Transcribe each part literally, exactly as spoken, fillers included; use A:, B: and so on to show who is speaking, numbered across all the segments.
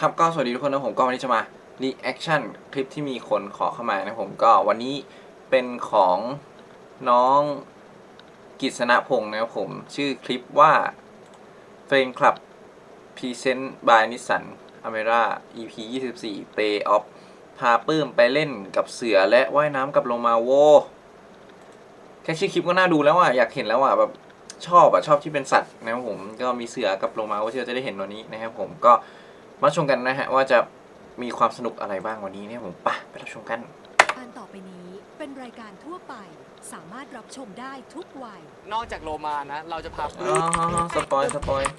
A: ครับก็สวัสดีทุกคนนะผมก็วันนี้จะมา reaction คลิปที่มีคนขอเข้ามานะผมก็วันนี้เป็นของน้องกิษณพงศ์นะครับผมชื่อคลิปว่า Fan Club Present by Nissan Almera อี พี ยี่สิบสี่ Play Off พาปื้มไปเล่นกับเสือและว่ายน้ำกับโลมาโวแค่ชื่อคลิปก็น่าดูแล้วอ่ะอยากเห็นแล้วอ่ะแบบชอบอ่ะชอบที่เป็นสัตว์นะครับผมก็มีเสือกับโลมาโวที่เราจะได้เห็นวันนี้นะครับผมก็มาชมกันนะฮะว่าจะมีความสนุกอะไรบ้างวันนี้เนี่ยผมป่ะไปรับชมกัน
B: การต่อไปนี้เป็นรายการทั่วไปสามารถรับชมได้ทุกวัย
C: นอกจากโลมานะเราจะพา
A: อ๋อสปอยสปอย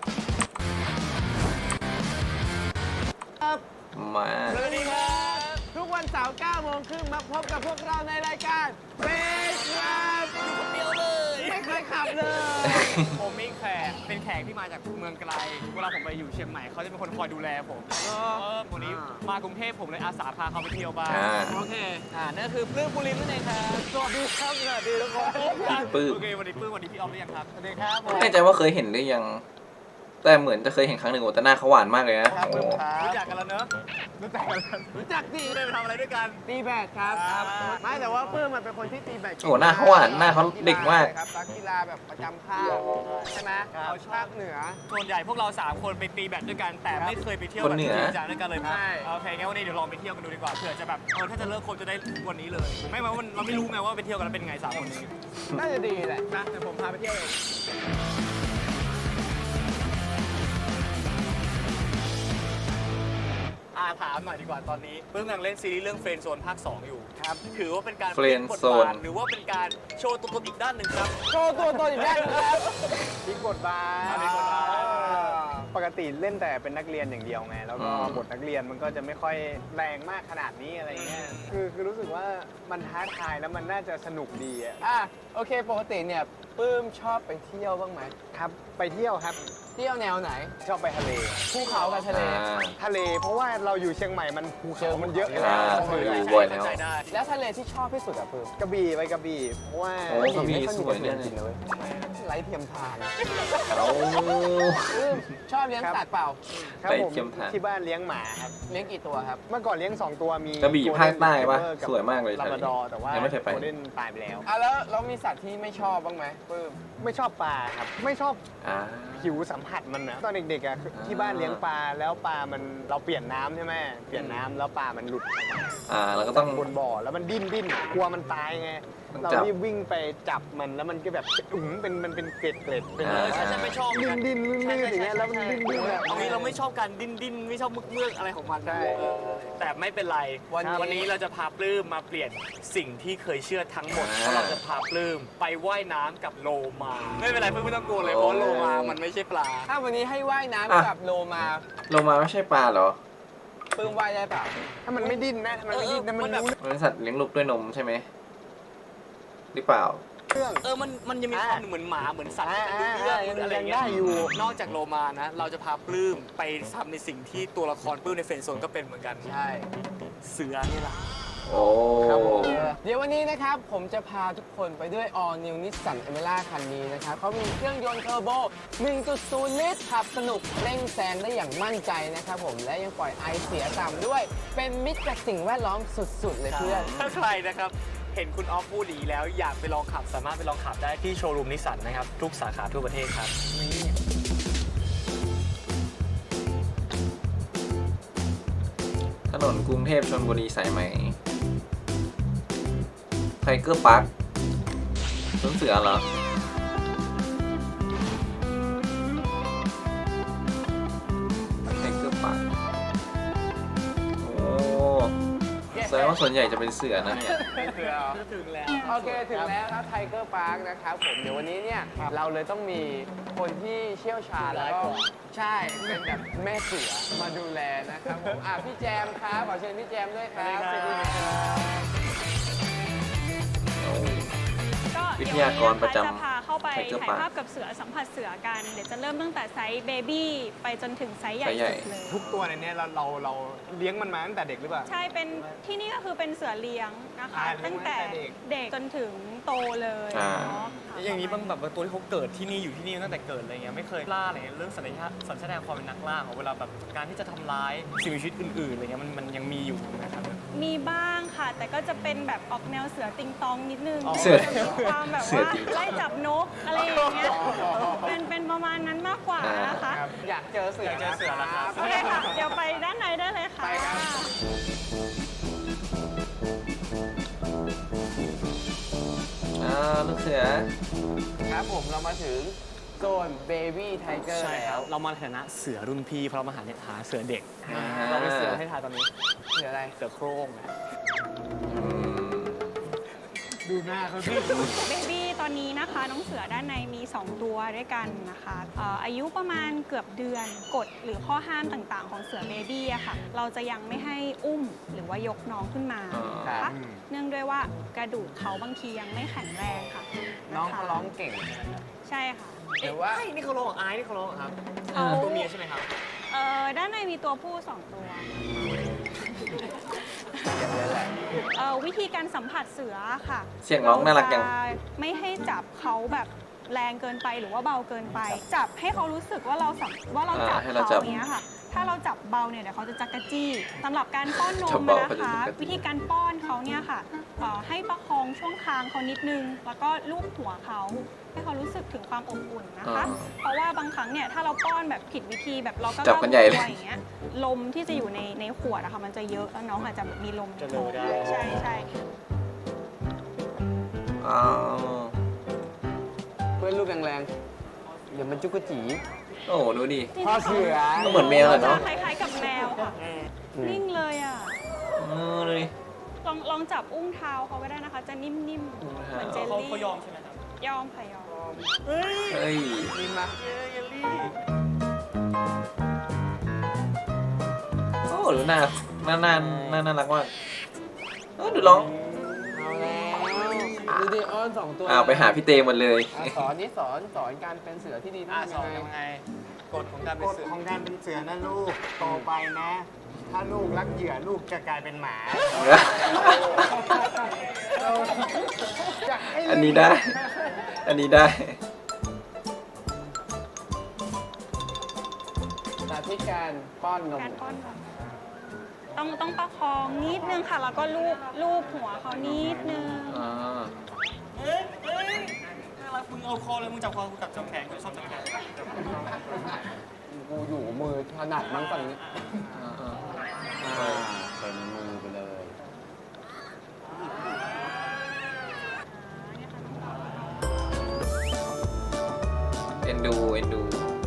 A: มา
C: สวัสดีครับ
D: ทุกวันเสาร์เก้าโมงครึ่งมาพบกับพวกเราในรายการเฟสครับ
C: อยู่คนเดียวเลย
D: ไม่เคยขับเลย
C: ผมมีแขกเป็นแขกที่มาจากเมืองไกลเวลาผมไปอยู่เชียงใหม่เขาจะเป็นคนคอยดูแลผมเออวันนี้มากรุงเทพผมเลยอาสาพาเขาไปเที่ยวบ้างโอเคอ่านั่นคือปลื้มปุริมนั่นเองครับสวัสดีครับสวัสดีทุกคน
A: ปื้ม
C: โอเควันนี้ปลื้มวันนี้พี่ออฟหรือยังครับ
D: สวัสดีครับ
A: ไม่แน่ใจว่าเคยเห็นหรือยังแต่เหมือนจะเคยเห็นครั้งหนึ่งแต่หน้าเขาหวานมากเลยนะโอ้
C: รู้จักกันแล้วเนอะ
D: รู้จักกันรู้จักดิ
C: ได้ไปทำอะไรด้วยกัน
D: ตีแบดครับไม่แต่ว่าเพื่อนมันเป็นคนที่ตีแบด
A: โอ้หน้าเขาหวานหน้าเขาเด็กมาก
D: ครับนักกีฬาแบบประจำภาคใช่ไหมเขาภาคเหนือ
C: ส่วนใหญ่พวกเราสามคนไปตีแบดด้วยกันแต่ไม่เคยไปเที่ยวแบบจริงจังด้วยกันเลยโอเคงั้นวันนี้เดี๋ยวลองไปเที่ยวกันดูดีกว่าเผื่อจะแบบเออถ้าจะเลิกคนจะได้วันนี้เลยไม่ว่าเราไม่รู้ไงว่าไปเที่ยวกันแล้วเป็นไงสามคนนี้
D: น่าจะดีแหละ
C: นะเดี๋ยวผมพาไปเที่ยวเองอาถามหน่อยดีกว่าตอนนี้เพิ่งกำลังเล่นซีรีส์เรื่องเฟรนด์โซนภาคสองอยู่ครับถือว่าเป็นการ
A: เฟรนด์โซน
C: หรือว่าเป็นการโชว์ตัวตนอีกด้านหนึ่งครับ
D: โชว์ตัวตนอีกด้านนึงครับพลิกบทบาทปกติเล่นแต่เป็นนักเรียนอย่างเดียวไงแล้วก็บทนักเรียนมันก็จะไม่ค่อยแรงมากขนาดนี้อะไรเงี้ยคือคือรู้สึกว่ามันท้าทายแล้วมันน่าจะสนุกดีอ่ะอ่ะโอเคปกติเนี่ยปื้มชอบไปเที่ยวบ้างไหมครับไปเที่ยวครับเที่ยวแนวไหนชอบไปทะเลภูเขากับทะเลทะเลเพราะว่าเราอยู่เชียงใหม่มันภูเขามันเยอะอยู่แล้ว
A: อยู่บ่อยแล้ว
D: แล้วทะเลที่ชอบที่สุดอะปื้มกระบี่ไปกระบี่เพราะว่าก
A: ระบี่สวยเนี่ย
D: ไร้เทียมทาน
A: เอา
D: ชอบเลี้ยงสัตว์เปล่าครับผมที่บ้านเลี้ยงหมาครับเลี้ยงกี่ตัวครับเมื่อก่อนเลี้ยงสองตัวมี
A: กระบี่ภาคใต้ปะสวยมากเลย
D: ลาบราดอร์แต่ว่า
A: ยังไม่เคยไป
D: โคเด้นตายไปแล้วอ่ะแล้วเรามีสัตว์ที่ไม่ชอบบ้างไหมปื้มไม่ชอบปลาครับไม่ชอบผิวสัมผัสมันนะตอนเด็กๆอ่ะที่บ้านเลี้ยงปลาแล้วปลามันเราเปลี่ยนน้ำใช่ไหมเปลี่ยนน้ำแล้วปลามันหลุด
A: อ่าเราก็ต้อง
D: บนบ่อแล้วมันดิ้นดิ้นกลัวมันตายไงเรารีบวิ่งไปจับมันแล้วมันก็แบบอุ้งเป็นมันเป็นเกล็ดเกล็ดเป็น
C: ใช่ใช่ไม่ชอบ
D: ดิ้นดิ้นดิ้นอย่างเงี้ยแล้วมันดิ้นดิ้นแบบ
C: เอางี้เราไม่ชอบการดิ้นดิ้นไม่ชอบมึกเมือกอะไรของมันได้แต่ไม่เป็นไรวันนี้เราจะพาปลื้มมาเปลี่ยนสิ่งที่เคยเชื่อทั้งหมดเพราะเราจะพาปลื้มไปว่ายน้ำกับโลมาไม่เป็นไรเพื่อนไม่ต้องกลัวเลยเพราะโลมามันไม่ใช่ปลา
D: ถ้าวันนี้ให้ว่ายน้ำกับโลมา
A: โลมาไม่ใช่ปลาเหรอ
D: ปื้มว่ายได้เปล่าถ้ามันไม่ดิ้นนะมันไม่ดิ้นนะมันรู้
A: มันเป็นสัตว์เลี้ยงลูกด้วยนมใช่ไหมหรือเปล่า
C: เออมันมันยังมีความเหมือนหมาเหมือนสัตว์ที่มันรู้เรื่องอะไรอย่างเงี้ยอยู่นอกจากโลมานะเราจะพาปลื้มไปทำในสิ่งที่ตัวละครปลื้มในเฟรนด์โซนก็เป็นเหมือนกัน
D: ใช่
C: เสือนี่แหละ
A: โอ้
D: เดี๋ยววันนี้นะครับผมจะพาทุกคนไปด้วย All New Nissan Almera คันนี้นะครับเขามีเครื่องยนต์เทอร์โบ หนึ่งจุดศูนย์ ลิตรขับสนุกเร่งแซงได้อย่างมั่นใจนะครับผมและยังปล่อยไอเสียต่ำด้วยเป็นมิตรกับสิ่งแวดล้อมสุดๆเลยเพื่อน
C: ถ้าใครนะครับเห็นคุณออฟพูดดีแล้วอยากไปลองขับสามารถไปลองขับได้ที่โชว์รูมนิสสันนะครับทุกสาขาทั่วประเทศครับ
A: ถนนกรุงเทพชลบุรีสายไหมไทเกอร์พาร์คสวนเสือเหรอไทเกอร์พาร์คโอ้แสดงว่าส่วนใหญ่จะเป็นเสือนะเนี่ย
C: ถึงแล้ว
D: โอเคถึงแล้วครับไทเกอร์พาร์คนะครับผมเดี๋ยววันนี้เนี่ยเราเลยต้องมีคนที่เชี่ยวชาญแล้วก็ใช่เป็นแบบแม่เสือมาดูแลนะครับผมอ่ะพี่แจมครับขอเชิญพี่แจมด้วยครับสวัสดีครับ
A: วิทยากรประจำ
E: จะพาเข้าเข้าไป
A: Tiger
E: ถ่าย
A: Park
E: ภาพกับเสือสัมผัสเสือกัน เดี๋ยวจะเริ่มตั้งแต่ไซส์เบบี้ไปจนถึงไซส์ใหญ่
A: ไซส์ใหญ่
E: สุดเลย
D: ทุกตัวในเนี้ยเราเราเราเลี้ยงมันมาตั้งแต่เด็กหรือเปล่า
E: ใช่เป็นที่นี่ก็คือเป็นเสือเลี้ยงนะคะ
D: อ่าเลี้ยง
E: ตั้งแต่
D: มาตั้งแต่เด็ก
E: เด็กจนถึงโตเลย
A: อ่า
E: เนาะค่ะ
C: อย่างนี้บางแบบว่าตัวที่เขาเกิดที่นี่อยู่ที่นี่ตั้งแต่เกิดอะไรเงี้ยไม่เคยล่าอะไรเงี้ยเรื่องสัญชาติสัญชาตญาณความเป็นนักล่าของเวลาแบบการที่จะทำร้ายสิ่งมีชีวิตอื่นๆอะไรเงี้ยมันมันยังมีอยู่นะครับ
E: มีบ้างค่ะ แต่ก็จะเป็นแบบออกแนวเสือติงตองนิดนึง
C: อ๋อ
A: เสือ
E: จะมีความแบบ
A: เสือ
E: ว่า
A: ติงตอง
E: ไล่จับนกอะไรอย่างเงี้ยเป็นเป็นประมาณนั้นมากกว่านะคะ
D: ครับอยากเจอเสือ
C: อยากเจอเสือแล้วครับ
E: โอเคค่ะ เดี๋ยวไปด้านในได้เลยค่ะ
D: ไปครับ
A: อ่าลูกเสือ
F: ครับผมเรามาถึงโซน Baby Tiger
C: ใช่ค
F: แล้
C: รั
F: ว
C: บเรามาในฐานะเสือรุ่นพี่เพราะเรามาหาเนี่ยหาเสือเด็ก
A: อ่า
C: เราเป็นเสือให้ทายตอนนี้
F: เสืออะไร
C: เสือโคร่งนะ
A: อืม
D: ดูหน้าเขาสิ
E: เบบี้ตอนนี้นะคะ น้องเสือด้านในมี สอง ตัวด้วยกันนะคะเอ่ออายุประมาณเกือบเดือนกฎหรือข้อห้ามต่างๆ ของเสือเบบี้อะค่ะ เราจะยังไม่ให้อุ้มหรือว่ายกน้องขึ้นมา
A: อ๋อ
E: นะคะเนื่องด้วยว่ากระดูกเขาบางทียังไม่แข็งแรงค่ะ
F: น้องเขาร้องเก่ง
E: ใช่ค่ะ
F: หรือว่า
C: เอ้ยนี่เขาร้องของไอ้นี่เขาร้องเหรอครับ
E: เอ่อ
C: ตัวเมียใช่ไหมครับ
E: เอ่อด้านในมีตัวผู้สองตัว
F: อย่างนั้นแหละ
E: เอ่อวิธีการสัมผัสเสือค่ะ
A: เสียงน้องน่ารักจัง
E: เจะไม่ให้จับเขาแบบแรงเกินไปหรือว่าเบาเกินไป จับให้เขารู้สึกว่าเราสัมว่าเราจับ
A: อ่าให้เรา
E: เขา
A: จับ
E: อย่างเงี้ยค่ะ ถ้าเราจับเบาเนี่ยเดี๋ยวเขาจะจักกะจี้สำหรับการป้อนน
A: จับ
E: ม
A: เบา
E: นะ
A: เขาจะ
E: คะ
A: จักกะจี้
E: วิธีการป้อนเขาเนี่ยค่ะเอ่อให้ประคองช่วงคางเขานิดนึง แล้วก็ลูบหัวเขาให้เขารู้สึกถึงความอบอุ่นนะคะ เพราะว่าบางครั้งเนี่ยถ้าเราป้อนแบบผิดวิธีแบบเราก็
A: จับกันใหญ่เลย
E: ตัวอย่างเงี้ยลมที่จะอยู่ในในขวดอะค่ะมันจะเยอะแล้วน้องอาจจะแบบมีลมใน
C: จะ
E: ท้อง
C: เลอะได้
E: ใช่ใช่
A: อ๋อ
F: เพื่อนลูกแรงๆ เดี๋ยวมันจุกกะจี
A: โอ้โหดูดิ
F: พ่อเสือ
A: ก็เหมือนแมวแหละเนาะ
E: คล้ายๆกับแมวค่ะ นิ่งเลยอ่ะ
A: เออดูดิ
E: ลองลองจับอุ้งเท้าเขาก็ได้นะคะ จะนิ่มๆ
A: อุ้ง
E: เห
A: เท้า
E: มือนเจล
C: เขา
E: ลี่
C: เขายอมใช่ไหมครับ
E: ยอมค่ะยอม
C: เฮ้ย
A: เฮ้ย
F: นี่มา
C: เยลลี่
A: โอ้ดูหน้าหน้าหน้าหน้าน่ารักมากเออดูร้อง
F: เอาแล้วดูดิอ้อนสองตัว
A: อ้าวไปหาพี่เตหมดเลย
F: อ่ะสอนนี่สอนสอนการเป็นเสือที่ดี
C: อ่ะ
F: ต้อง
C: สอน
F: ทำยัง
C: ยัง
F: ไง
C: ไงกฎของการเป็
D: ก
C: น
D: ฎ
C: เสือ
D: ของการเป็นเสือนะลูก โตไปนะ ถ้าลูกรักเหยื่อลูกจะกลายเป็นหมาอยากให้
A: อันนี้ได้ อันนี้ได้
F: สาธิตการป้อนนม
E: การป้อนนมต้องต้องประคองนิดนึงค่ะ แล้วก็ลูบลูบหัวเขานิดนึง
A: อ่า
C: เฮ้ยเฮ้ยน่ารักมึงเอาคอเลยมึงจับคอกูจับจับแขนกูชอบจับแขน
F: กูอยู่มือถนัดมั้งฝั่งนี้
A: อ่าอ่า
F: อ่าเป็นมือไปเลย
A: เอ็นดู เอ็นดู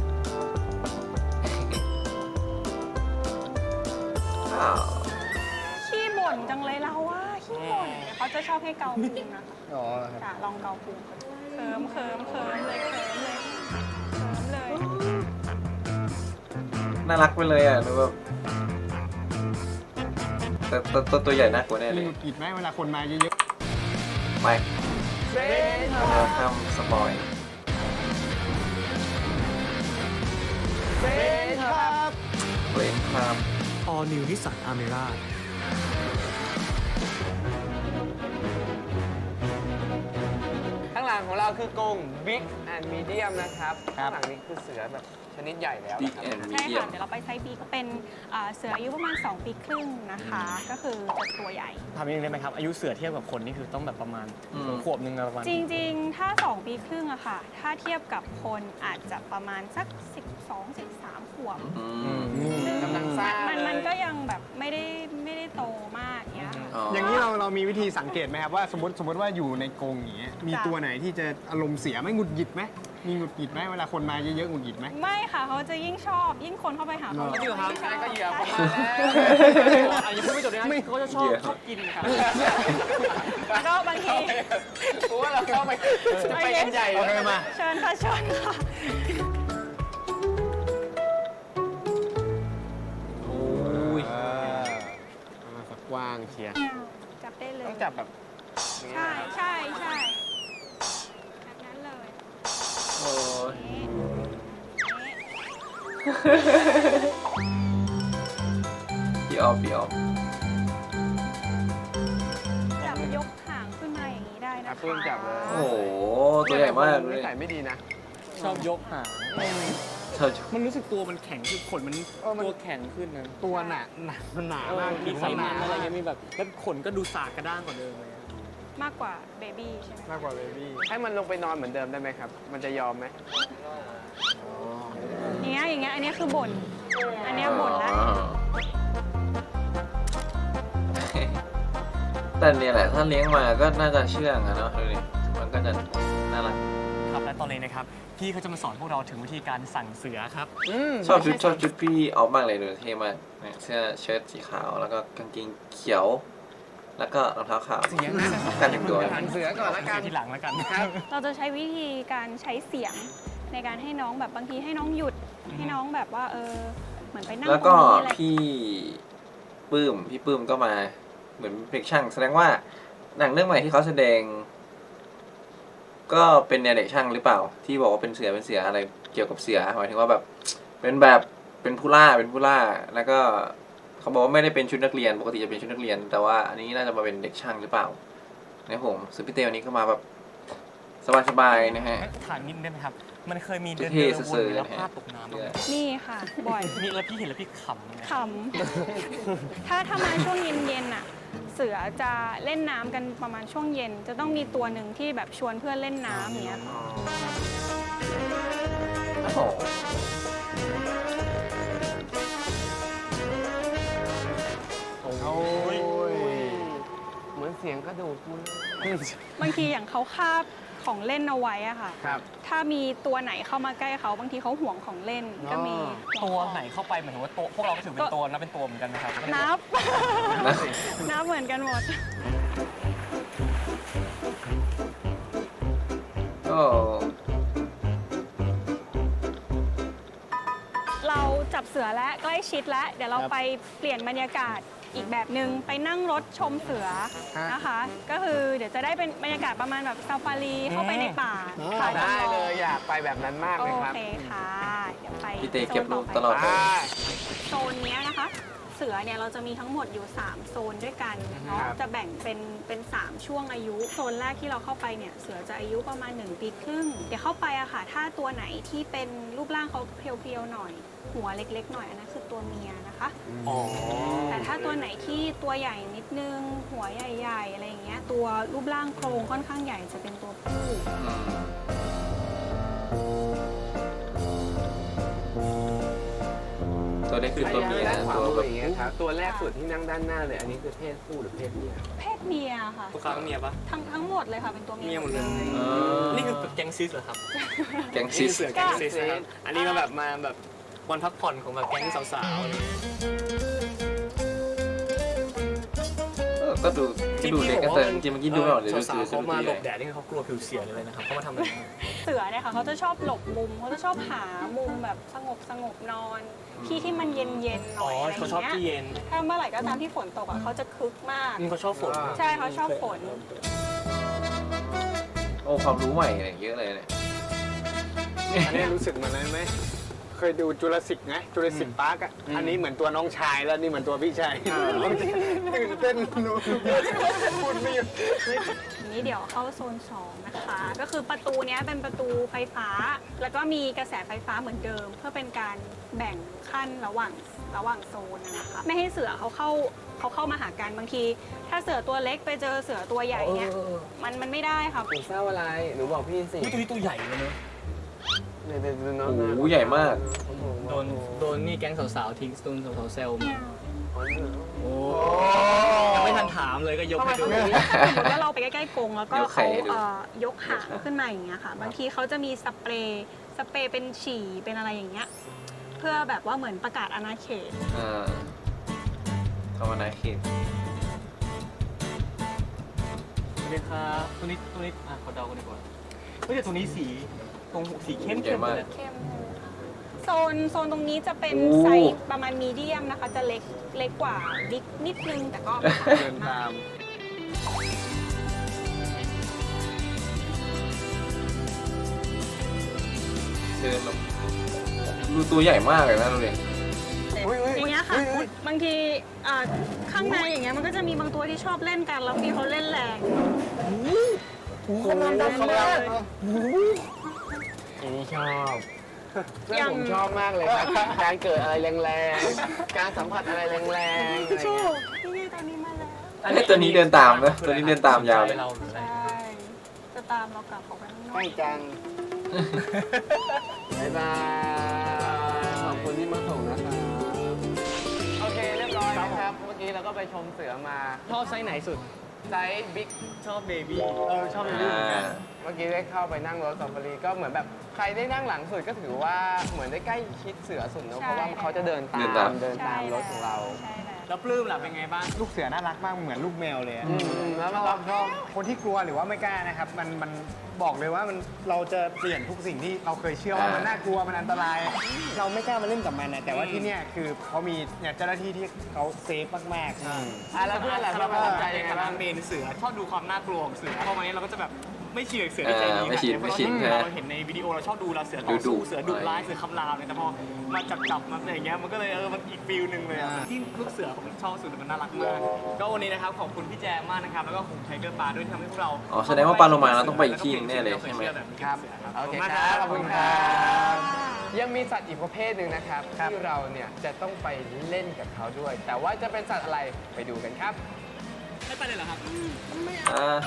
A: อ้าว
E: ขี้บ่นจังเลยเราว่าขี้บ่นเขาจะชอบให้เกาพุงนะคะ
F: อ๋อครับ
E: จ้ะลองเกาพุงเคิมเคิมเคิมเลยเคิมเลยเคิมเลย
A: น่ารักไปเลยอ่ะดูแบบแต่แต่ตัวตัวใหญ่น่ากลัวแน่เล
D: มี
A: ย
D: หงุดหงิดไหมเวลาคนมาเยอะ
A: ไม่
F: เฟน
A: เราทำสปอย
F: เฟนครับ
A: เล่นครับ
C: All New Nissan Almera
F: ข้างหลังของเราคือกรง Big and Medium นะครับ ข้างหลังนี้คือเสือแบบชนิดใหญ่แล้ว
A: บิ๊ก
F: นะครับ
A: แอนด์มี
E: ใช่
A: เดีย
E: ค่ะ
A: ม
E: เดี๋ยวเราไปไซส์ B ก็เป็นอ่าเสืออายุประมาณ สอง ปีครึ่งนะคะ ก็คือจะตัวใหญ่
C: ทำเองได้ไหมครับ อายุเสือเทียบกับคนนี่คือต้องแบบประมาณ
A: อืม
C: ขวบหนึ่งอะประมาณ
E: จริงๆ ถ้า สอง ปีครึ่งอะค่ะ ถ้าเทียบกับคนอาจจะประมาณสัก สิบสอง สิบสาม ขวบ
A: อืม
F: กำลังสร้าง
E: มันมัน
F: เลย
E: ก็ยังแบบไม่ได้ไม่ได้โตมากเนี้ยค่ะ
A: อ๋อ
D: ๆ อย่างนี้เราเรามีวิธีสังเกตไหมครับว่าสมมติสมมติว่าอยู่ในกรงอย่างเงี้ยมี
E: จ้ะ
D: ตัวไหนที่จะอารมณ์เสียไหมหงุดหงิดไหมมีหงุดหงิดไหมเวลาคนมาเยอะๆหงุดหงิดไหม
E: ไม่ค่ะเขาจะยิ่งชอบยิ่งคนเข้าไปหาเขา
D: เหรอ
E: จะยิ่งชอบ
F: นั่นก็เหยื่อผมมา
C: อ่ะยังพูดไม่จบเลยนะเขาจะชอบ
A: เหยื่อ
C: ชอบกินครับ
E: แล้วก็บางที
F: กูว่าเราเข้าไปจะไปกันใหญ่
D: โอเค
F: แล้ว
D: มา
E: เชิญค่ะเชิญค่ะ
A: โอ้ย
F: อ่าฝักกว้างเชียร์
E: จับได้เลย
F: ต้องจับแบบ
E: ใช่ใช่ใช่แบบนั้นเลย
A: พี่ออฟพี่ออฟ
E: จับยกหางขึ้นมาอย่างนี้ได้นะ
D: อ่ะ
E: คะ
D: ปื้มจับเลย
A: โอ้โหตัวใหญ่มากเล
D: นิ
A: ย
D: สัยไม่ดีนะ
C: ชอบยกหาง
A: ชอบ
C: มันรู้สึกตัวมันแข็งคือขนมัน
D: เออมัน
C: ตัวแข็งขึ้นนะ
D: ตัวหนาหนามันหนามาก
C: มีไขมัน
D: หา
C: อะไรเงี้ยมีแบบแล้วขนก็ดูสากกระด้างกว่าเดิมเลยอะ
E: มากกว่าเบบี้ใช่ไหม
D: มากกว่าเบบี้ให้มันลงไปนอนเหมือนเดิมได้ไหมครับ มันจะยอมไหม
E: อย่างเงี้ยอย่างเงี้ยอันเนี้ยคือบ่นอันเนี้ยบ่นแล้ว
A: อ๋อแต่เนี่ยแหละถ้าเลี้ยงมาก็น่าจะเชื่องอะเนาะดูดิมันก็จะน่ารัก
C: ครับและตอนนี้นะครับพี่เขาจะมาสอนพวกเราถึงวิธีการสั่งเสือครับ
A: ชอบชุดชอบชุดพี่ออฟมากเลยดูเท่มากเนี่ยเสื้อเชิ้ตสีขาวแล้วก็กางเกงเขียว แล้วก็รองเท้าขาว
C: เสียง
A: กันถึงตัว
D: หันเสือก่อนละกัน
C: ที่หลังแล้วกัน
D: ครับ
E: เราจะใช้วิธีการใช้เสียงในการให้น้องแบบบางทีให้น้องหยุดให้น้องแบบว่าเออเหมือนไปนั่ง
A: แล้ว
E: ตร
A: ก็
E: งนี้อะไร
A: พี่ปื้มพี่ปื้มก็มาเหมือนเพลงช่างแสดงว่าหนังเรื่องใหม่ที่เขาแสดง ก็เป็นแนวเด็กช่างหรือเปล่า ที่บอกว่าเป็นเสือเป็นเสืออะไรเกี่ยวกับเสือหมายถึงว่าแบบเป็นแบบเป็นผู้ล่าเป็นผู้ล่า แล้วก็เขาบอกว่าไม่ได้เป็นชุดนักเรียนปกติจะเป็นชุดนักเรียน แต่ว่าอันนี้น่าจะมาเป็นเด็กช่างหรือเปล่าเนี่ยผมซึ่งพี่เต้วันนี้ก็มาแบบสบายๆนะฮะ
C: ถามนิดได้ไหมครับ มันเคยมีเดิน
A: เท่
C: เดิน
A: ๆ
C: วน
A: ๆ
C: แล้ว
A: นะฮะ
C: พลาดตกน้ำบ้างไหม
E: นี่ค่ะ บ่อย
C: นี่แล้วพี่เห็นแล้วพี่ขำเลยนะ
E: ขำ ถ้าถ้ามาช่วงเย็นๆน่ะ เสือจะเล่นน้ำกันประมาณช่วงเย็น จะต้องมีตัวหนึ่งที่แบบชวนเพื่อนเล่นน้ำอย่างเงี้ยค่ะ
A: โอ้โห
D: โอ้ย
F: เหมือนเสียงกระดูกมัน
E: บางทีอย่างเขาคาบของเล่นเอาไว้อะค่ะ
D: ครับ
E: ถ้ามีตัวไหนเข้ามาใกล้เขาบางทีเขาห่วงของเล่นก็มี
C: ตัวไหนเข้าไปเหมือนว่าตัวพวกเราก็ถือเป็นตัวนะเป็นตัวเหมือนกันนะครับ
E: นับ
A: นะ
E: นับเหมือนกันหมด
A: ก็
E: เราจับเสือและใกล้ชิดแล้วเดี๋ยวเราไปเปลี่ยนบรรยากาศอีกแบบหนึ่งไปนั่งรถชมเสือนะคะ ก็คือเดี๋ยวจะได้เป็นบรรยากาศประมาณแบบซาฟารีเข้าไปในป่าค่ะ
D: ได้เลยอยากไปแบบนั้นมาก
E: โอ
D: เลยครับ
E: เคค่ะ เดี๋ยวไป
A: พี่เต้เก็บรูป
E: โซน
A: ต
E: ต่
A: ล
E: อ
A: อด
E: ไป
A: เลย
E: โซนเนี้ยนะคะ เสือเนี่ยเราจะมีทั้งหมดอยู่ สาม โซนด้วยกันเนาะ
D: ครับ
E: จะแบ่งเป็นเป็น สาม ช่วงอายุ โซนแรกที่เราเข้าไปเนี่ยเสือจะอายุประมาณ หนึ่ง ปีครึ่ง เดี๋ยวเข้าไปอะค่ะ ถ้าตัวไหนที่เป็นรูปร่างเขาเพรียวๆหน่อย หัวเล็กๆหน่อยอันนั้นคือตัวเมียนะคะ
C: อ๋อ
E: แต่ถ้าตัวไหนที่ตัวใหญ่นิดนึง หัวใหญ่ๆอะไรอย่างเงี้ยตัวรูปร่างโครงค่อนข้างใหญ่จะเป็นตัวผู้
A: อืมตัวนี้คือตัวเมีย
F: ด้าน
A: นะ
F: ขวา
A: ตัว
F: มือ
A: แบบ
F: อย่างเงี้ยครับ ตัวแรกสุดที่นั่งด้านหน้าเลย อันนี้คือเพศผู้หรือเพศเมีย
E: เพศเมียค่ะ
C: ตัวค้างเมียปะ
E: ทั้งทั้งหมดเลยค่ะเป็นตัวเมี
C: เมียหมดเลย
A: เออ
C: นี่คือแก๊งซิสเหรอครับ
A: แกงซิส
C: เสือแก๊งซิสนะครับอันนี้มาแบบมาแบบวันพักผ่อนของแบบแก๊งสาวๆอะไรอย่างเงี้ย
A: เออก็ดูที่ดูเล็กก็แต่จริงๆเมื่อกี้ดูไม่ออกเลยดู
C: สาว
A: ซื้อ
C: ๆ
A: ซื้
C: เขา
A: อ
C: มาหล
A: ใหญ่
C: บแดดนี่เขากลัวผิวเสียเลยนะครับเขามาทำอะไร
E: เสือเนี่ยค่ะเขาจะชอบหลบมุมเขาจะชอบหามุมแบบสงบสงบนอน ที่ที่มันเย็นเย็นๆหน่
C: อ๋อ
E: อยอะไรอ
C: เขาชอบ
E: ย่าง
C: ที่
E: เงี้ย
C: เย็น
E: ถ้าเมื่อไหร่ก็ตามที่ฝนตกอ่ะเขาจะคึกมาก
C: อืมเขาชอบฝน
E: ใช่เขาชอบฝน
A: โอ้ความรู้ใหม่เนี่ยเยอะเลยเนี่ย
D: อันนี้รู้สึกเหมือนอะไรไหม เคยดูจุลศิษย์ไงจุลศิษย์ปาร์กอ่ะ อันนี้เหมือนตัวน้องชายแล้วนี่เหมือนตัวพี่ชายตื่นเต้นหนูพูดไม่หยุด
E: ทีนี้เดี๋ยวเข้าโซนสองนะคะ ก็คือประตูเนี้ยเป็นประตูไฟฟ้า แล้วก็มีกระแสไฟฟ้าเหมือนเดิม เพื่อเป็นการแบ่งขั้นระหว่างระหว่างโซนนะคะ ไม่ให้เสือเขาเข้าเขาเข้ามาหากันบางที ถ้าเสือตัวเล็กไปเจอเสือตัวใหญ่เนี่ยมันมันไม่ได้ค่ะ
F: หนูเศร้าอะไร หนูบอกพี่สิ
C: อุ๊ยตัวนี้ตัวใหญ่เลยเนอะ
F: เนี่ยเป็นน้อง
A: โอ้โหใหญ่มาก
C: โดนโดนนี่แก๊งสาวๆทิ้งโดนสาวๆเซลมาโอ้ยังไม่ทันถามเลยก็ยกให้ดู
E: สมมติว่าเราไปใกล้ๆกรงแล้วก็
A: ยกไข่
E: เขา
A: ให้ดู
E: เอ่อยกหางขึ้นมาอย่างเงี้ยค่ะ บางทีเขาจะมีสเปรย์สเปรย์เป็นฉี่เป็นอะไรอย่างเงี้ยเพื่อแบบว่าเหมือนประกาศอาณาเขต
A: อ่าเข้ามาในเขต
C: สวัสดีครับตัวนี้ตัวนี้อ่ะขอเดากันดีกว่าเฮ้ยแต่ตัวนี้สีตรงสีเข้ม
A: ใหญ่
C: เข้ม
A: มาก
C: เลย
E: เข้มเลยค่ะโซนโซนตรงนี้จะเป็น
A: โอ้
E: ไซส์ประมาณมีเดียมนะคะ จะเล็กเล็กกว่านิดนิดนึงแต่ก็ไม่ต่าง
D: เดิ
E: กัน
D: น
E: มาก
D: ตาม
A: เดินแบบดูตัวใหญ่มากเลยนะดูดิ
E: อย่างเงี้ยค่ะบางทีอ่าข้างในอย่างเงี้ยมันก็จะมีบางตัวที่ชอบเล่นกันแล้วพี่เขาเล่นแรง
F: คนนั้นดังมากอันนี้ชอบเพื่อนผมชอบมากเลยครับ การเกิดอะไรแรงๆ การสัมผัสอะไรแรงๆอะไรเงี้ย
E: นี่ไงตอนนี้มาแล้ว
A: ไอ้ตัวนี้เดินตามนะตัวนี้เดินตามยาวเลย
E: ใช่จะตามเรากลับออกไปข้างนอก
F: ใกล้จัง บ๊ายบาย ขอบคุณที่มาส่งนะครับ โอเค เรียบร้อยนะครับ เมื่อกี้เราก็ไปชมเสือมา
C: ชอบไซส์ไหนสุด
F: ไซส์บิ๊ก
C: ชอบเบบี้เออชอบเบบี้เหมือนกัน
F: เมื่อกี้ได้เข้าไปนั่งรถซาฟารีก็เหมือนแบบใครได้นั่งหลังสุดก็ถือว่าเหมือนได้ใกล้ชิดเสือสุดเนอะเพราะว่าเขาจะเดินตามเดินตามรถของเรา
E: ใช่แล้ว
C: แล้วปลื้มล่ะเป็นไงบ้าง
D: ลูกเสือน่ารักมากเหมือนลูกแมวเลยอะ
F: อืมแล้ว
D: ช
F: มา
D: อ
F: รั
D: บบ ชอบคนที่กลัวหรือว่าไม่กล้านะครับ มันมันบอกเลยว่ามันเราจะเปลี่ยนทุกสิ่งที่เราเคยเชื่อว่ามันน่ากลัวมันอันตราย เราไม่กล้ามาเล่นกับมันนะแต่ว่าที่เนี่ยคือเขามีเนี่ยเจ้าหน้าที่ที่เขาเซฟมากๆ
F: อ่ะแล้วเพื่อนล่ะ
C: เรา
F: เพื่อนประทับใจ
C: ใน
F: ยังไง
C: ฐานะ
F: บ้าง
C: เมนเสือชอบดูความน่ากลัวของเสือพอมาเนี้ยเราก็จะแบบไม่ชินกับเสือที่ใจดี
A: เออไม่ชิน
C: ขนาด
A: ไม่ชิน
C: เพ
A: ใช่
C: ราะ
A: ไหม
C: เราเห็นในวิดีโอเราชอบดูเราเสือต่อ
A: ดุ
C: สู้
A: ๆ
C: เสือดุร้าย
A: อะไร
C: เสือคำรามเนี่ยแต่พอมาจับจับๆมาอะไรอย่างเงี้ยมันก็เลยเออมันอีกฟิลหนึ่งเลยอะที่ลูกเสือผมชอบสุดมันน่ารักมากก็วันนี้นะครับขอบคุณพี่แจมมากนะครับแล้วก็ของไทเกอร์ปาด้วยที่ทำให้พวกเรา
A: อ๋อแสดงว่าปลาโลมาเราต้องไปอีกที่หนึงแน่เลยใช่ไหม
F: ครับ โอเคครับ ขอบคุณครับ ยังมีสัตว์อีกประเภทหนึ่งนะครับ ที่เราเนี่ยจะต้องไปเล่นกับเขาด้วย แต่ว่าจะเป็นสัตว์อะไรไปดูกันครับ
C: ไม่ไปเลยเหรอครับ
A: อ่า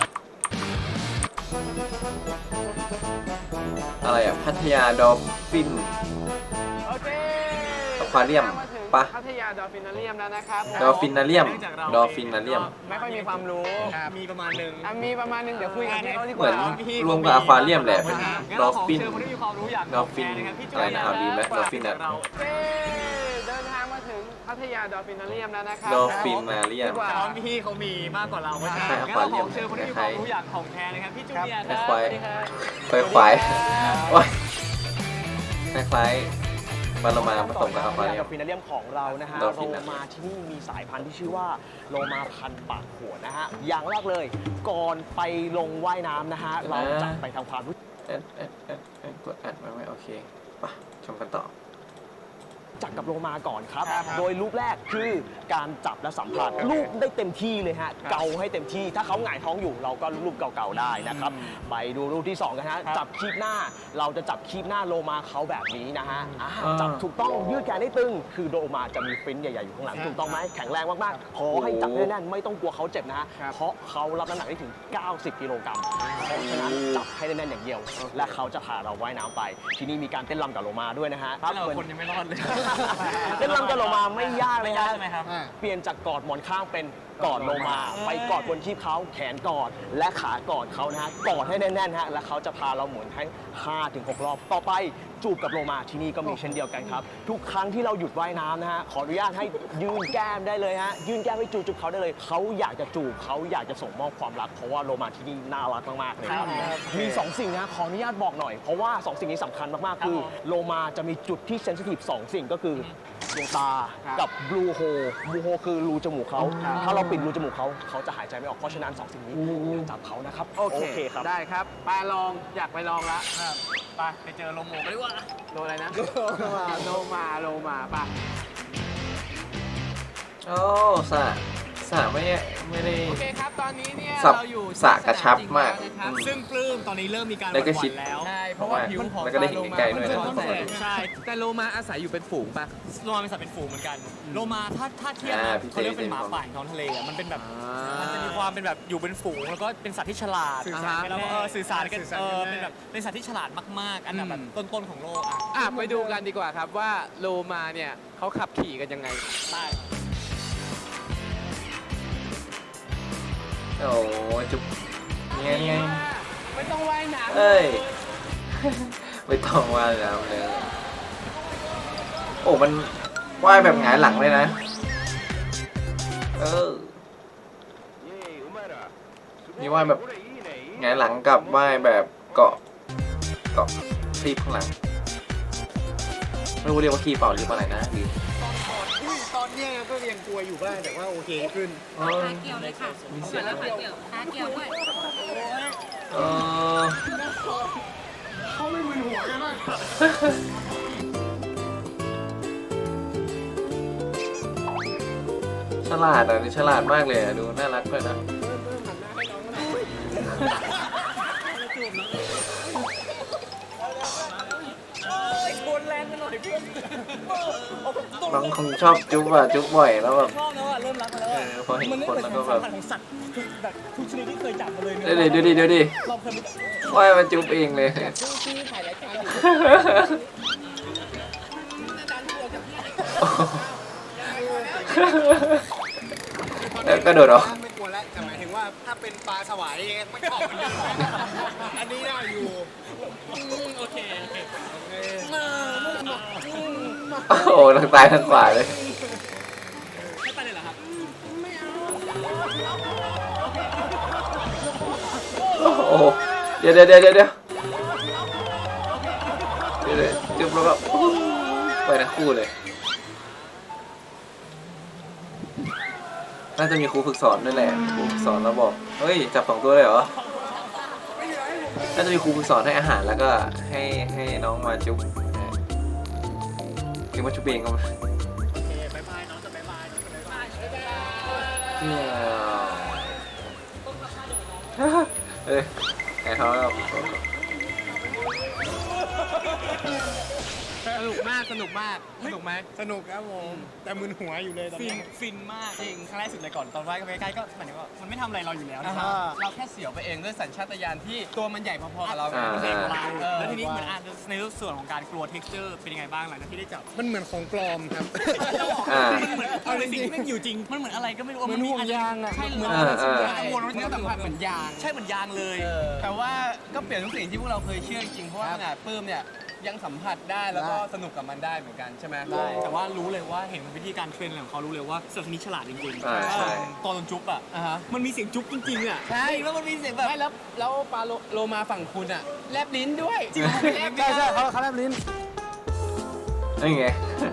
A: อะไรอ่ะ พัทยาดอลฟิน
F: โอเค
A: อควาเรียม
F: มาถึง
A: ปะ
F: พัทยาดอลฟินาเรียมแล้วนะครับ
A: ดอลฟินาเรียม
C: เนื่องจากเรา
A: ดอลฟินาเรียม
F: ไม่ค่อยมีความรู้
C: มีประมาณหนึ่ง
F: อ่ะมีประมาณนึงเดี๋ยวคุยกันที่เขาดีก
A: เหมือน
F: ว่า
A: รวมกับอควาเรียมแหละเป็น
C: งั้น
A: ดอ
C: เรา
A: ล
C: ขอ
A: ฟิน
C: เชิญคนที่มีความรู้อยาก
A: ดอลฟิน
C: แชร์นะครับพี่จุ
A: อะไร
C: ย
A: นะครับดีไหมดอลฟินอะ
C: เรา
F: เย้เดินทางมาถึงพัทยาดอลฟินาเรียมแล้วนะครับ
A: ดอลฟินาเรียม
F: ดีกว่า
C: แต่ว่าพี่เขามีมากกว่าเราเพราะฉะนั้น
A: ใช่
C: งั้นเราขอ
A: Aquarium
C: เชิญคนที่มีความรู้อยากของแท้นะครับพี่จูเนียร์ครับ
A: คล้าย
C: สวัสดีครับ
A: คล้ายควายโอ้ยคล้ายๆปลาโลมาผสมกับอควาเรียม
G: ดอลฟินาเรียมของเรานะฮะ
A: ดอล
G: โล
A: ฟินอะ
G: มาที่นี่มีสายพันธุ์ที่ชื่อว่าโลมาพันปากขวดนะฮะ อย่างแรกเลย ก่อนไปลงว่ายน้ำนะฮะ เราจะไปทำความรู้
A: แอดแอดแอดแอดกดแอดไว้ไหมโอเคไปชมกันต่อ
G: จักกับโลมาก่อนครับ
F: ครับ
G: โดยรูปแรกคือการจับและสัมผัสรูปได้เต็มที่เลยฮะ เกาให้เต็มที่ ถ้าเขาหงายท้องอยู่เราก็รูปเก่าๆได้นะครับ ไปดูรูปที่สองกันฮะ จับคีบหน้า เราจะจับคีบหน้าโลมาเขาแบบนี้นะฮะอ่า
A: อ่า
G: จับถูกต้องยืดแขนให้ตึง คือโลมาจะมีฟินใหญ่ๆอยู่ข้างหลัง ถูกต้องไหมแข็งแรงมากๆ ขอให้จับแน่นๆไม่ต้องกลัวเขาเจ็บนะฮะ
F: ครับ
G: เพราะเขารับน้ำหนักได้ถึง เก้าสิบ กิโลกรัม เพราะฉะนั้นจับให้แน่นๆอย่างเดียว และเขาจะพาเราว่ายน้ำไป ที่นี่มีการเต้นรำกับโลมาด้วยนะฮะ
C: ถ้าเรา
G: เหมือน
C: คนยังไม่รอดเลย
G: เล่นลำกับโลมาไม่ยากเลย
C: ไม่ยาก
G: ฮะ
C: ใช่ไหมครับ
G: เปลี่ยนจากกอดหมอนข้างเป็นกอดโลมา ไปกอดบนคีบเขาแขนกอดและขากอดเขานะฮะกอดให้แน่นๆฮะแล้วเขาจะพาเราหมุนให้ ห้าถึงหก รอบ ต่อไปจูบกับโลมาที่นี่ก็มีเช่นเดียวกันครับ ทุกครั้งที่เราหยุดว่ายน้ำนะฮะขออนุญาตให้ยื่นแก้มได้เลยฮะยื่นแก้มให้จูบจูบเขาได้เลยเขาอยากจะจูบเขาอยากจะส่งมอบความรักเพราะว่าโลมาที่นี่น่ารักมากๆเลยครับมีสองสิ่งนะขออนุญาตบอกหน่อยเพราะว่าสองสิ่งนี้สำคัญมากๆคือโลมาจะมีจุดที่เซนซิทีฟสองสิ่งก็คือดวงตากับบลูโฮบลูโฮคือรูจมูกเขาถ้าเราปิดรูจมูกเขาเขาจะหายใจไม่ออกเพราะฉะนั้นสองสิ่งนี้อย่าจับเขานะครับ
F: โอเค
G: ครับ
F: ได้ครับไปลอง อยากไปลองละ
C: ไปไปเจอลมหมูกันดีกว่า
F: โลอะไรนะ โลมา โลมา โลมาไป
A: โอ้สระสระไม่ไม่ได้
F: โอเคครับ ตอนนี้เนี่ย
A: สับ
F: เราอยู่
A: สระกระชับมาก
F: ที่สนามจริงแล้วนะครับ
A: อืม
C: ซึ่งปลื้มตอนนี้เริ่มมีการห
A: แล้วก็
C: วั่น
A: ชิด
C: ๆแล้ว
F: ใช่ เพราะว่าผิวของ
A: แล้วก็ได้เห็นใกล้ๆด้วยนะ
F: ปลาโลมา
C: ใช่
F: แต่โลมาอาศัยอยู่เป็นฝูงปะ
C: โลมาเป็นสัตว์เป็นฝูงเหมือนกัน โลมาถ้าถ้าเทียบ
A: อ่า
C: นะ
A: พี่เต้
C: เขาเรียกเป็นหมาป่าของท้องทะเลอะมันเป็นแบบ มันจะมีความเป็นแบบอยู่เป็นฝูงแล้วก็เป็นสัตว์ที่ฉลาด
F: สื่อสาร
C: แล้วก็เออสื่อสารกัน
F: สื่อสาร
C: เออ
F: กันได้
C: เป็นแบบเป็นสัตว์ที่ฉลาดมากๆ อันดับแบบต้นๆของโลกอ่ะ
F: อ่ะไปดูกันดีกว่าครับว่าโลมาเนี่ยเขาขับขี่กันยังไง
C: ใช่
A: โอ้จุ๊บนี่ไงนี่ไง
F: ไม่ต้องว่ายน้ำ
A: เอ้ย ไม่ต้องว่ายน้ำเลย โอ้มันว่ายแบบหงายหลังเลยนะ เออ นี่ว่ายแบบหงายหลังกับว่ายแบบเกาะเกาะคลีบข้างหลัง ไม่รู้เรียกว่าคลีบเปล่าหรือว่าอะไรนะหรือ
D: ตอนเนี้ยก็ยังกลัวอยู่บ้างแต่ว่าโอเคขึ้น
A: เออ
B: ขาเกี่ยวเลยค่ะเกี่ยวแล้วขาเกี่ยวขาเกี่ยวด้วย
A: เออฉลาดอ่ะนี่ฉลาดมากเลยอ่ะดูน่ารักเลยนะน้องคงชอบจุ๊บอ่ะจุ๊บบ่อยแล้วแบบ
C: ชอบแล้วอ่ะเริ่มรักมาแล้ว
A: เอ
C: อ่ะ
A: อพอเห็น
C: มันไม่
A: คน
C: เหมือน
A: แล้ว
C: ค
A: ก็
C: วาม
A: แบ
C: สัม
A: บ
C: พันธ์ของสัตว์แบบทุกชนิดที่เคยจับมาเลย
A: เดี๋ยวดิเดี๋ยวดิเดี๋ยวดิ
C: เราเคยไป
A: ว่ายมาจุ๊บเองเลย แล้วกระโดดเหรอ
D: ไม่กลัวแล้วแต่หมายถึงว่าถ้าเป็นปลาสวายไม่ชอบเหมือนกันอันนี้ได้อยู่
C: โอเคโอเค
A: โอ้โหทางซ้ายทางขวาเลย
C: ไม่ไปเลยเหรอครับ
A: โอ้โหเดี๋ยวเดี๋ยวเดี๋ยวเดี๋ยวเดี๋ยวเดี๋ยวจุ๊บแล้วก็ไปทั้งคู่เลย น่าจะมีครูฝึกสอนด้วยแหละครูฝึกสอนแล้วบอกเฮ้ยจับสองตัวเลยเหรอน่าจะมีครูฝึกสอนให้อาหารแล้วก็ให้ให้น้องมาจุ๊บจุ๊บมาจุ๊บเองก็มา
C: โอเคบายบายน้องจะบายบายน้องจะบายบาย
A: เอ้ยไอ้เขาแล้ว
F: สนุกมากสนุกมากสนุกไหม
D: สนุกครับผมแต่มึนหัวอยู่เลยตอน
C: ฟิน
D: นี้
C: ฟินมากจริงครั้งแรกสุดเลยก่อนตอนไหว้ก็ไปใกล้ก็หมายถึงว่ามันไม่ทำอะไรเราอยู่แล้ว
F: อ่า
C: นะค
F: ฮะ
C: รับ
F: เราแค่เสียวไปเองด้วยสัญชาตญาณที่ตัวมันใหญ่พอๆกับเรา
A: อ่า
C: เด็กของเรา
F: เออ
C: แล้วทีนี้เหมือนอ่านในส่วนของการกลัว texture เป็นยังไงบ้างหลังจากที่ได้จับ
D: มันเหมือนของปลอมครับ
A: อ่า
C: เหมือนเอาในสิ่งที่แม่งอยู่จริงมันเหมือนอะไรก็ไม่รู้
F: เหมือนห่วงยางอะ
C: ใช่
F: เหมือน
A: อ่าอ่า
C: กังวลว่า
F: เนื้อสัมผัสเหมือนยาง
C: ใช่เหมือนยางเลย
F: แต่ว่าก็เปลี่ยนทุกสิ่งที่พวกเราเคยเชื่อจริงๆเพราะว่าขนาดปื้มเนี่ยยังสัมผัสได้แล้วก็สนุกกับมันได้เหมือนกันใช่ไหม
C: ได้แต่ว่ารู้เลยว่าเห็นวิธีการเทรนอะไรของเขารู้เลยว่าสัตว์ชนิดฉลาดจริงๆ
A: อ่าใช่
C: ตอนจุ๊บอ่ะ
F: อ่าฮะ
C: มันมีเสียงจุ๊บจริงๆอ่ะ
F: ใช่
C: แล้วมันมีเสียงแบบ
F: ไม่แล้วแล้วปลาโลโลมาฝั่งคุณอะแลบลิ้นด้วย
C: จริง
F: แลบ
D: ใช่ใช่เขาเขาแลบลิ้น
A: นี่ไง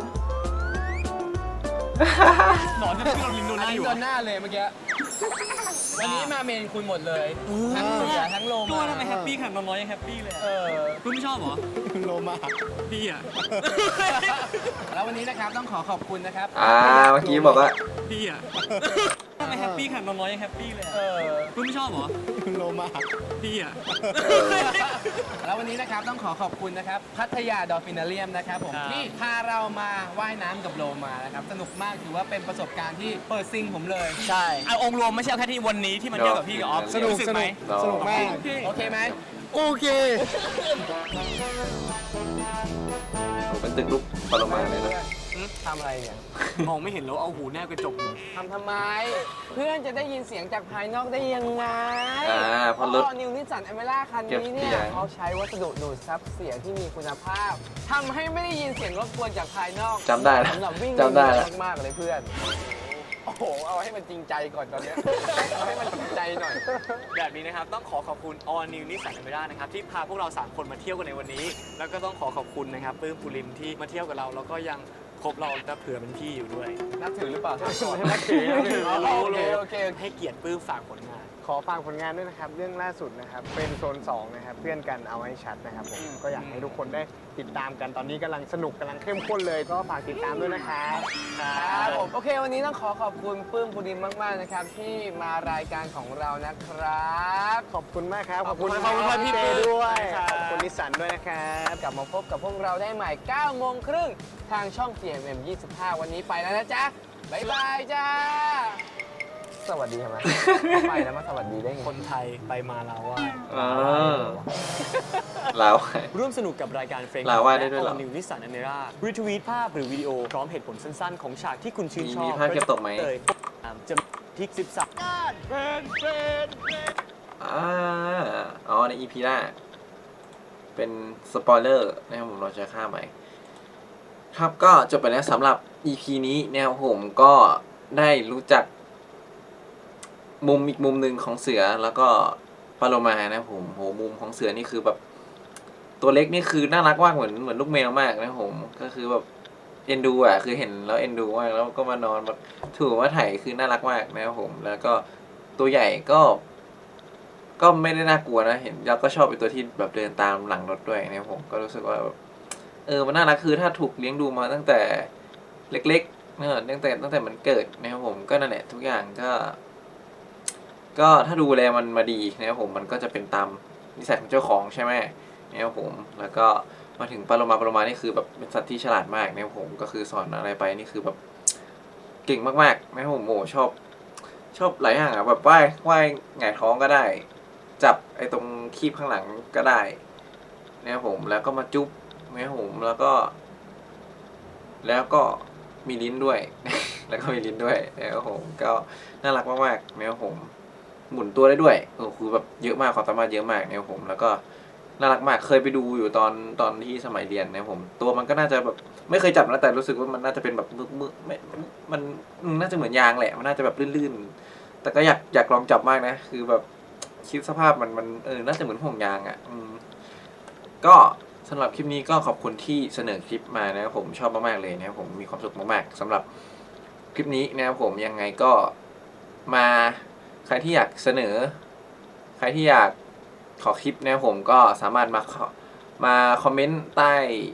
C: หนอนที่เราลินโดนห
F: อัน
C: น้าอ
F: นี้
C: ยู่
F: โดนหน้าเลยเมื่อกี้วันนี้มาเมนคุณหมดเลยทั้งเสือทั้งโล
C: ตัว
F: มา
C: ทำไมแฮปปี้ขนาดน้อยยังแฮปปี้เลย
F: เออ
C: คุณไม่ชอบเหรอ
D: โลมา
C: พี่อ่ะ
F: แล้ววันนี้นะครับต้องขอขอบคุณนะครับ
A: อ่าเมื่อกี้บอกว่า
C: พี่อ่ะทำไมแฮปปี้ขนาดน้อยยังแฮปปี้เลย
F: เออ
C: คุณไม่ชอบเหรอ
D: โลมา
C: พี่อ่ะ
F: แล้ววันนี้นะครับต้องขอขอบคุณนะครับพัทยาดอลฟินาเรียมนะครับผม
C: ครับ
F: ที่พาเรามาว่ายน้ำกับโลมานะครับสนุกมากถือว่าเป็นประสบการณ์ที่เปิดซิงผมเลย
C: ใช่เอาองค์รวมไม่ใช่เอาแค่ที่วันนี้ที่มันเที่ยวกับพี่กับออฟ
A: สนุก
C: รู้สึไหม
D: สนุกมาก
F: โอเคไหม
D: โอเค
A: เป็นตึกลุกปรมาเลยนะ
F: ทำอะไรเนี่ย
C: มองไม่เห็นแล้วเอาหูแนบกระจกอยู่
F: ทำทำไม เพื่อนจะได้ยินเสียงจากภายนอกได้ยังไง
A: อ่าเพราะรถ
F: นิวนิสสันอเมร่าคันนี้เนี่
A: เก็บเสี
F: ย
A: ยง
F: เขาใช้วัสดุดูดซับเสียงที่มีคุณภาพทำให้ไม่ได้ยินเสียงรบกวนจากภายนอก
A: จำได้แล้ว
F: สำหรับวิ่ง
A: จำได้แล้ว
F: มากๆเลยเพื่อน โอ้โห เอาให้มันจริงใจก่อนตอนเนี้ยเอาให้มันจริงใจหน่อย
C: แบบนี้นะครับต้องขอขอบคุณ All New Nissan Almera นะครับที่พาพวกเราสามคนมาเที่ยวกันในวันนี้ แล้วก็ต้องขอขอบคุณนะครับปื้มปุริมที่มาเที่ยวกับเราแล้วก็ยังคบเราและเผื่อเป็นพี่อยู่ด้วย
F: นับถือหรือเปล่าถามก่อน
D: นับถือนับถือ
F: โอเคโอเค
C: ให้เกียรติปื้มฝากผลงาน
D: ขอฝากผลงานด้วยนะครับ เรื่องล่าสุดนะครับ เป็นโซนสองนะครับ เพื่อนกันเอาให้ชัดนะครับผม ก็อยากให้ทุกคนได้ติดตามกัน ตอนนี้กำลังสนุกกำลังเข้มข้นเลย ก็ฝากติดตามด้วยนะครับ
F: ครับผมโอเค วันนี้ต้องขอขอบคุณปื้มปุริมมาก ๆ นะครับ ที่มารายการของเรานะครับ
D: ขอบคุณมากครับ ขอบคุณ
C: ขอบคุณครับพี่
D: เจ
C: ปื้ม
D: ด้วย
C: ครับ
D: ขอบคุณนิสสันด้วยนะครับ
F: กลับมาพบกับพวกเราได้ใหม่9โมงครึ่งทางช่อง ที เอ็ม เอ็ม ยี่สิบห้า วันนี้ไปแล้วนะจ๊ะ บ๊ายบายจ้า สวัสดีทำไม ไปแล้วมาสวัสดีได้ไง
C: คนไทยไปมาลาว่า
A: อ่าลาว
C: ร่วมสนุกกับรายการเฟรน
A: ลาว่าได้ด้วยเหรอ
C: นิวนิสสันอเมร่ารีทวีตภาพหรือวิดีโอพร้อมเหตุผลสั้นๆ ของฉากที่คุณชื่นชอบ
A: มีภาพเก็บตกไหม
C: เลยจะทิกสิบสาม
A: อ่าอ๋อใน อี พี หน้า เป็นสปอยเลอร์นะครับผมเราจะข้ามไปครับก็จบไปแล้วสำหรับ อี พี นี้เนี่ยผมก็ได้รู้จัก มุมอีกมุมหนึ่งของเสือแล้วก็ปลาโลมานะครับผมโหมุมของเสือนี่คือแบบ ตัวเล็กนี่คือน่ารักมากเหมือนเหมือนลูกแมวมากนะครับผมก็คือแบบเอ็นดูอ่ะคือเห็นแล้วเอ็นดูมากแล้วก็มานอนแบบถูว่าไถคือน่ารักมากนะครับผมแล้วก็ตัวใหญ่ก็ ก็ไม่ได้น่ากลัวนะเห็นแล้วก็ชอบเป็นตัวที่แบบเดินตามหลังรถด้วยนะครับผมก็รู้สึกว่าแบบเออมันน่ารักคือถ้าถูกเลี้ยงดูมาตั้งแต่เล็กเออตั้งแต่ตั้งแต่มันเกิดนะครับผมก็นั่นแหละทุกอย่างก็ ก็ถ้าดูแลมันมาดีนะครับผมมันก็จะเป็นตามนิสัยของเจ้าของใช่ไหมนะครับผมแล้วก็มาถึงปลาโลมาปลาโลมานี่คือแบบเป็นสัตว์ที่ฉลาดมากนะครับผมก็คือสอนอะไรไปนี่คือแบบเก่งมากๆนะครับผมโอ้ชอบชอบหลายอย่างอ่ะแบบว่ายว่ายหงายท้องก็ได้ จับไอ้ตรงคีบข้างหลังก็ได้นะครับผมแล้วก็มาจุ๊บนะครับผมแล้วก็ แล้วก็มีลิ้นด้วย แล้วก็มีลิ้นด้วยนะครับผมก็น่ารักมากๆนะครับผมหมุนตัวได้ด้วยโอ้คือแบบเยอะมากความสามารถเยอะมากนะครับผมแล้วก็น่ารักมากเคยไปดูอยู่ตอนตอนที่สมัยเรียนนะครับผมตัวมันก็น่าจะแบบไม่เคยจับนะแต่รู้สึกว่ามันน่าจะเป็นแบบมึกมึกไม่มันน่าจะเหมือนยางแหละมันน่าจะแบบลื่นๆแต่ก็อยากอยากลองจับมากนะคือแบบคิดสภาพมันมันเออน่าจะเหมือนห่วงยางอ่ะอืมก็สำหรับคลิปนี้ก็ขอบคุณที่เสนอคลิปมานะครับผมชอบมากๆเลยนะครับผมมีความสุขมากๆสำหรับคลิปนี้นะครับผมยังไงก็มาใครที่อยากเสนอใครที่อยากขอคลิปนะครับผมก็สามารถมามาคอมเมนต์ใต้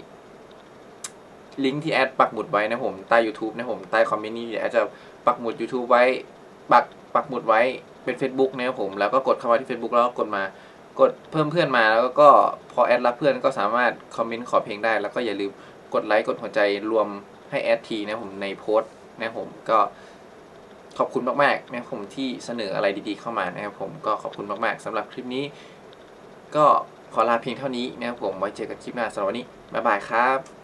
A: ลิงก์ที่แอดปักหมุดไว้นะครับผมใต้ YouTube นะครับผมใต้คอมเมนต์นี้เดี๋ยวแอดจะปักหมุด YouTube ไว้ปักปักหมุดไว้เป็น Facebook นะครับผมแล้วก็กดเข้ามาที่ Facebook แล้วก็กดมากดเพิ่มเพื่อนมาแล้วก็พอแอดรับเพื่อนก็สามารถคอมเมนต์ขอเพลงได้แล้วก็อย่าลืมกดไลค์กดหัวใจรวมให้แอดทีนะผมในโพสต์นะผมก็ขอบคุณมากๆนะผมที่เสนออะไรดีๆเข้ามานะครับผมก็ขอบคุณมากๆสำหรับคลิปนี้ก็ขอลาเพียงเท่านี้นะครับผมไว้เจอกันคลิปหน้าสำหรับวันนี้บ๊ายบายครับ